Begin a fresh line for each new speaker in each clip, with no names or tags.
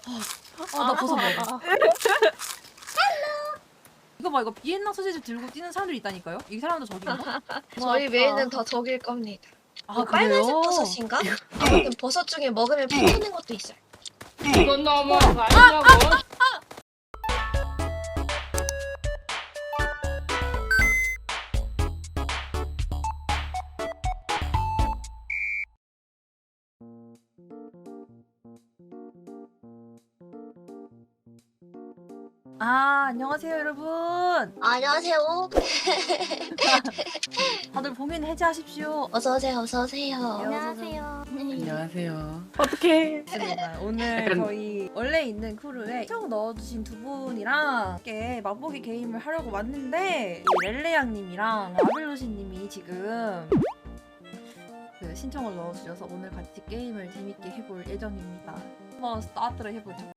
나 버섯 먹어. 이거 봐, 이거 비엔나 소시지 들고 뛰는 사람들이 있다니까요? 이 사람도 저기인가?
저희 메인은 다 적일 겁니다.
아,
빨간색
그래요?
버섯인가? 아무튼 버섯 중에 먹으면 피 튀는 것도 있어요.
이건 너무한 거 아니냐고.
안녕하세요, 여러분.
안녕하세요.
다들 봉인 해제하십시오.
어서 오세요. 어서 오세요.
안녕하세요.
안녕하세요. 어떡해.
맞습니다. 오늘
약간-
저희 원래 있는 크루에 시청 넣어주신 두 분이랑 함께 맛보기 게임을 하려고 왔는데 이 렐레양님이랑 라벨로시님이 지금 그 신청을 넣어주셔서 오늘 같이 게임을 재밌게 해볼 예정입니다. 한번 스타트를 해보죠.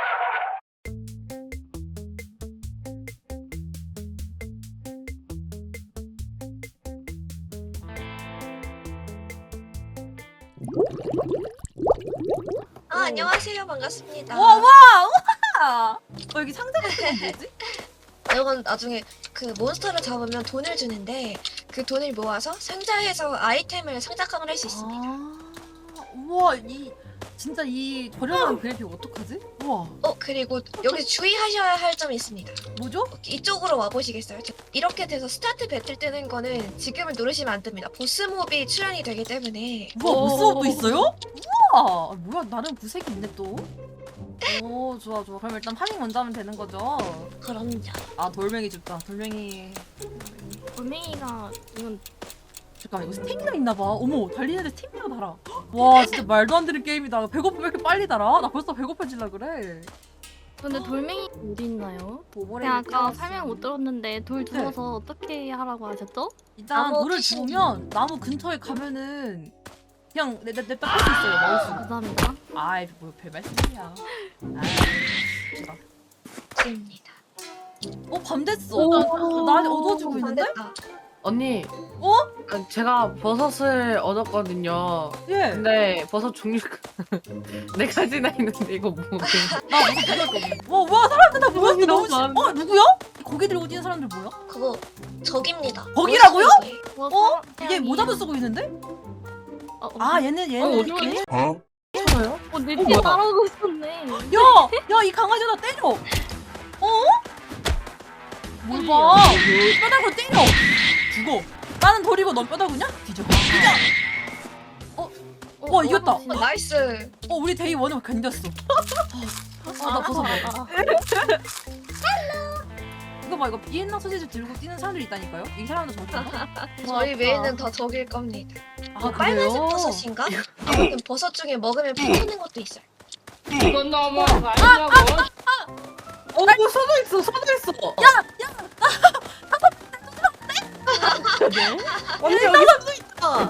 안녕하세요. 반갑습니다.
와! 여기 상자 같은 건 뭐지?
이건 나중에 그 몬스터를 잡으면 돈을 주는데 그 돈을 모아서 상자에서 아이템을 상작함을 할 수 있습니다.
우와, 진짜 이 저렴한 그래픽 어떡하지? 우와,
그리고 여기 주의하셔야 할 점이 있습니다.
뭐죠?
이쪽으로 와보시겠어요? 이렇게 돼서 스타트 배틀 뜨는 거는 지금을 누르시면 안 됩니다. 보스몹이 출연이 되기 때문에.
우와, 보스업도 있어요? 우와, 뭐야, 나름 구색이 있네 또. 오, 좋아. 그럼 일단 파밍 먼저 하면 되는 거죠?
그럼요.
돌멩이 줍다. 돌멩이.
돌멩이가 이건
잠깐만, 이거 스태미나 있나봐. 어머, 달리는 데 스태미나 달아. 와, 진짜 말도 안 되는 게임이다. 배고프면 왜 이렇게 빨리 달아? 나 벌써 배고파질라 그래.
근데 돌멩이 어디 있나요?
보보레
제가 아까 설명 못 들었는데 돌 주워서 어떻게 하라고 하셨죠?
일단
나무
물을
피신.
주우면 나무 근처에 가면은 그냥 냅다 뺄 수 있어요. 먹을 수가.
감사합니다.
아이, 뭐 별 말씀이야.
입니다.
밤 됐어.
오,
날이 어두워지고 있는데?
됐다.
언니.
어?
제가 버섯을 얻었거든요.
예.
근데 버섯 종류가 네 가지나 있는데 이거 뭐?
나 무슨 그럴 거 없네. 와, 사람들 다 모였어.
너무
너무
많은데?
누구야? 고개 들고 뛰는 사람들 뭐야?
그거 적입니다.
적이라고요?
어?
얘 모자도 쓰고 있는데?
어,
얘는
어디?
저요?
내
뭐야?
뒤에 따라오고 있었네.
야, 이 강아지 나 때려. 뭘 봐? 뼈다구로 때려. 죽어. 나는 돌이고 넌 뼈다구냐? 뒤져. 와, 이겼다.
나이스.
우리 데이 원을 견뎠어. 나 버섯 먹어. 이거 봐, 이거 비엔나 소시지 들고 뛰는 사람들이 있다니까요? 이 사람도 저기인가?
저희 메인은 다 적일 겁니다.
그래요?
빨간색 버섯인가? 아무튼 버섯 중에 먹으면 피 튀는 것도 있어요.
이건 너무한 거 아니냐고. 서도 있어. 언니 여기 서도 있다.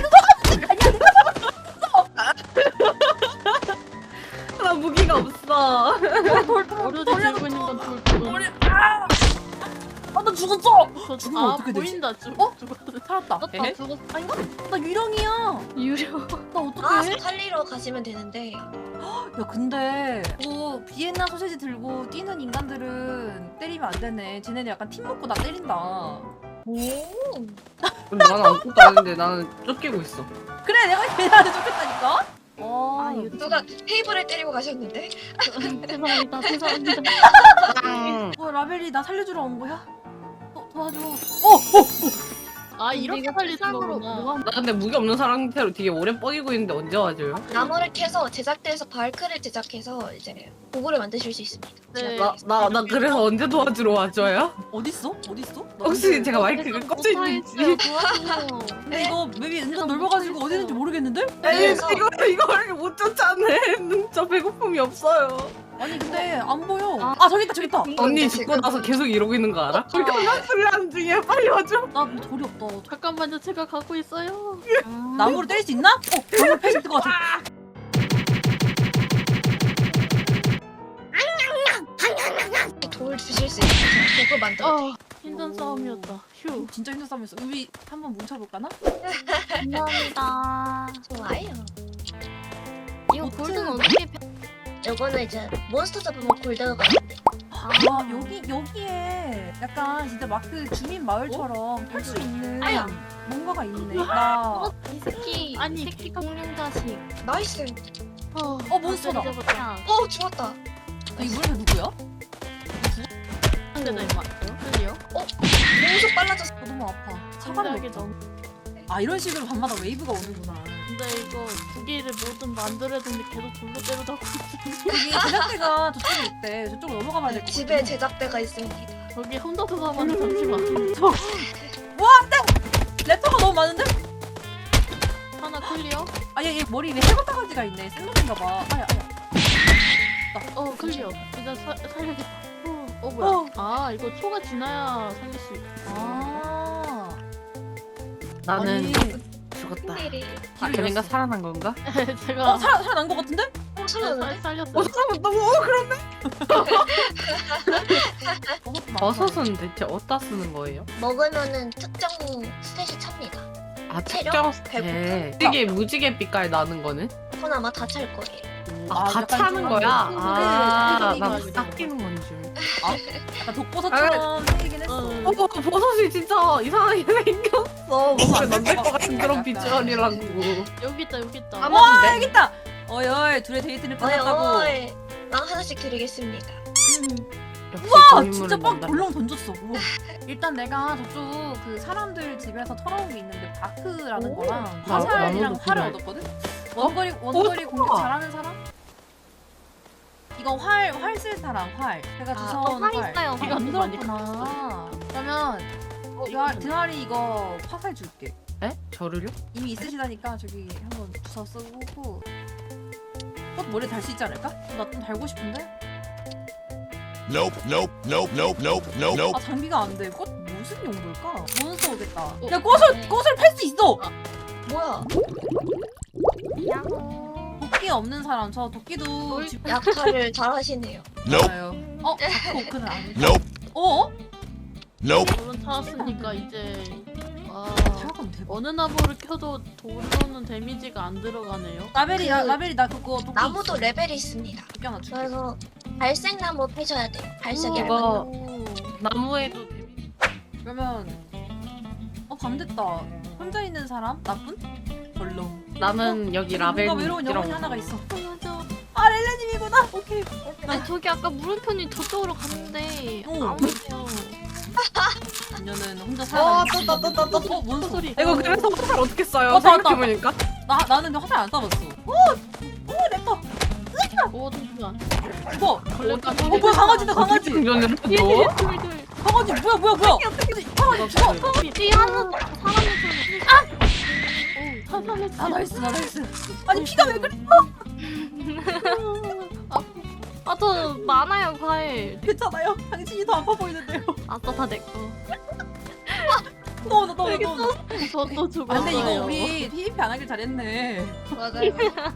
나 무기가 없어.
어류지 들고 있는 건 돌.
나 죽었어! 죽으면
아,
어떻게 되지?
보인다. 죽었어.
살았다.
나 죽었어.
아닌가? 나 유령이야.
유령.
나 어떡해?
살리러 가시면 되는데.
야, 근데 비엔나 소시지 들고 뛰는 인간들은 때리면 안 되네. 쟤네들 약간 팀 먹고 나 때린다.
오.
근데 나는 아무것도 아닌데 나는 쫓기고 있어.
그래, 내가 걔네한테 쫓겼다니까?
아유,
누가 테이블을 때리고 가셨는데?
죄송합니다.
라벨이 나 살려주러 온 거야? 도와줘.
아, 이렇게 살리는
상으로
거구나.
나 근데 무기 없는 상태로 되게 오래 뻐기고 있는데 언제 와줘요?
나무를 캐서 제작대에서 발크를 제작해서 이제 도구를 만드실 수 있습니다.
네.
나 그래서 언제 도와주러 와줘요?
어딨어? 나
혹시
근데-
제가 마이크가 꺼져 있는지?
도와주세요.
근데 이거 맵이 은근 넓어가지고 어디 있는지 모르겠는데?
그래서
이거 이렇게 못 쫓아내. 저 배고픔이 없어요.
아니 근데 안 보여.
아.
저기 있다.
언니
근데
죽고
지금-
나서 계속 이러고 있는 거 알아? 불가능한 순간 중에 빨리 와줘.
나 돌이 없다.
잠깐만요. 제가 가고 있어요.
나무로 때릴 수 있나? 나무로 패실 것 같아.
돌 주실 수 있어요. 도구 만들어.
힘든 싸움이었다. 휴.
진짜 힘든 싸움이었어. 우리 한번 뭉쳐볼까나?
감사합니다.
좋아요.
이거
보트.
골드는 어떻게
요거는 이제 몬스터 잡으면 골드가
아 여기에 약간 진짜 마크 주민 마을처럼 탈 수 있는
아야.
뭔가가 있네. 나
이 새끼
아니,
새끼 공룡 자식.
나이스.
몬스터다.
야,
죽었다.
이 물에 누구야?
상대다 임마. 클리어?
공속 빨라졌어.
너무 아파. 사과를
생각이
먹자.
너무.
아 이런 식으로 밤마다 웨이브가 오는구나.
근데 이거 무기를 뭐든 만들어야 되는데 계속 돌로 때려다
여기 제작대가 저쪽에 있대. 저쪽으로 넘어가 봐야 될 것 같아.
집에 제작대가 있습니다.
저기 혼자서 가면 잠시만.
랩터가 너무 많은데?
하나 클리어?
아얘 머리 위에 해골 바가지가 있네. 생선인가 봐. 아야.
클리어. 이제 살려야겠다. 뭐야?
어.
아 이거 초가 지나야 살릴 수 있어.
아.
나는
아니,
죽었다.
일이.
아, 걔네가 살아난 건가?
제가
살아난 것 같은데?
살렸는데?
살렸어.
살아났다고? 그런데?
버섯도
버섯은 대체 어디다 쓰는 거예요?
먹으면은 특정 스탯이 찹니다.
아,
체력?
특정 때 이게 무지개 빛깔 나는 거는?
그건 아마 다 찰 거예요.
아, 다
약간
차는
좀
거야? 아,
네,
난
네,
깎이는 건 줄.
약간 독버섯처럼 생기긴 했어.
버섯이 진짜 이상하게 생겼어. 먹으면 안 될 것 같은 그런
약간.
비주얼이라고.
여기 있다 여기 있다.
와 여기 있다. 어이 둘의 데이트를
어이
끝났다고.
어이. 빵 하나씩 드리겠습니다.
와 진짜 막 벌렁 던졌어. 우와. 일단 내가 저쪽 그 사람들 집에서 털어온 게 있는데 바크라는
오.
거랑
나-
화살이랑
나무도
활을
필요해.
얻었거든. 원거리 공격 잘하는 사람? 이거 활 쓸 사람 활. 제가 주워온
활
활.
있어요.
이거 안 들었구나. 그러면 드아리 이거 화살 줄게.
에? 저를요?
이미 있으시다니까 저기 한번 주워 쓰고. 꽃 머리에 달 수 있지 않을까? 나 좀 달고 싶은데?
Nope, nope, nope, nope, nope, nope, nope.
아 장비가 안 돼. 꽃 무슨 용도일까? 몬스터 오겠다. 야 꽃을 팔 수 있어.
뭐야?
도끼 없는 사람 저 도끼도
약탈을 잘 하시네요.
Nope,
좋아요. 다크 오크는 아니고.
nope,
어?
nope.
물론 찾았으니까 이제
잠깐 대박.
어느 나무를 켜도 돌로는 데미지가 안 들어가네요.
라벨이 나 그거 도끼
나무도
있어.
레벨이 있습니다.
도끼 하나 줄게.
그래서 발색 나무 패셔야 돼요. 발색이
이거-
얇은
오.
나무에도 데미지.
그러면 밤 됐다. 혼자 있는 사람? 나쁜? 벌렁.
나는 여기
뭔가
라벨
외로운 영혼이
있더라고.
하나가 있어.
맞아.
아 렐레님이구나. 오케이.
아니 저기 아까 물음표님 저쪽으로 갔는데
어.
아무데요.
그녀는 혼자 살아. 뭔 소리?
이거 그래서 화살 어떻게 써요?
맞다, 맞다.
생각해보니까.
나는 근데 화살 안 쏴봤어. 오 랩터.
오 잠시만.
이거.
걸레까지.
뭐야 강아지다 강아지.
충전을 너?
둘둘.
강아지 뭐야. 강아지 죽어.
뒤에 하는 사람이
사살했어.
나 나이스. 아니 피가 왜 그래?
아저 많아요 과일.
괜찮아요. 당신이 더 아파 보이는데요.
아싸 다 내꺼.
너무.
저도 죽었어요.
아, 근데 이거 우리 PVP 안 하길 잘했네.
맞아요.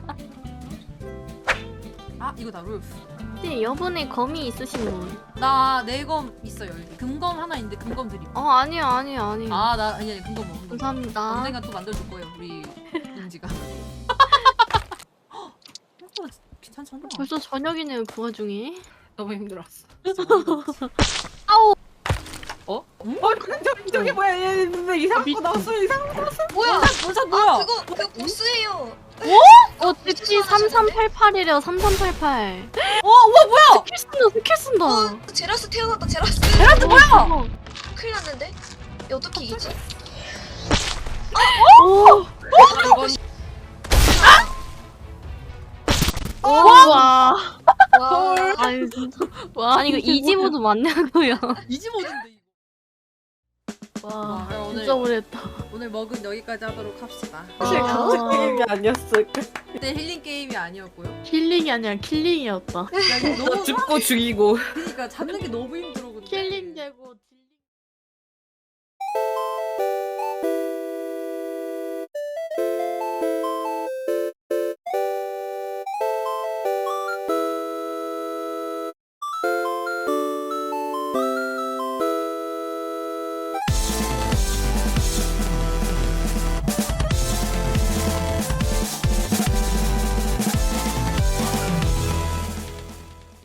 아 이거다 룰프.
혹시 여분의 검이 있으신 분?
나 내검 있어요. 여기. 금검 하나 있는데 금검 드림.
아니요.
아니 금검 금검.
감사합니다.
언젠가 또 만들어줄 거예요 우리 은지가. 생각보다 괜찮잖아.
벌써 저녁이네요 그 와중에.
너무 힘들었어.
아우.
저기 뭐야? 얘 근데 이상한 거 나왔어. 이상한 거.
뭐야?
뭐야?
그거 보스예요.
대치 3388이래요 3388.
우와 뭐야?
스킬 쓴다.
제라스 태어났다. 제라스.
제라스 뭐야?
큰일 났는데? 이거 어떻게 이기지?
오. 와.
와.
아유 진짜. 와 아니 이거 이지모도 맞냐고요.
이지 모드인데 이거.
와
오늘
진짜 오래했다.
오늘 먹은 여기까지 하도록 합시다.
사실
아.
같은 게임이 아니었을까?
그때 힐링 게임이 아니었고요.
힐링이 아니라 킬링이었다.
야, 이거 너무
죽고 죽이고.
그러니까 잡는 게 너무 힘들어 근데.
킬링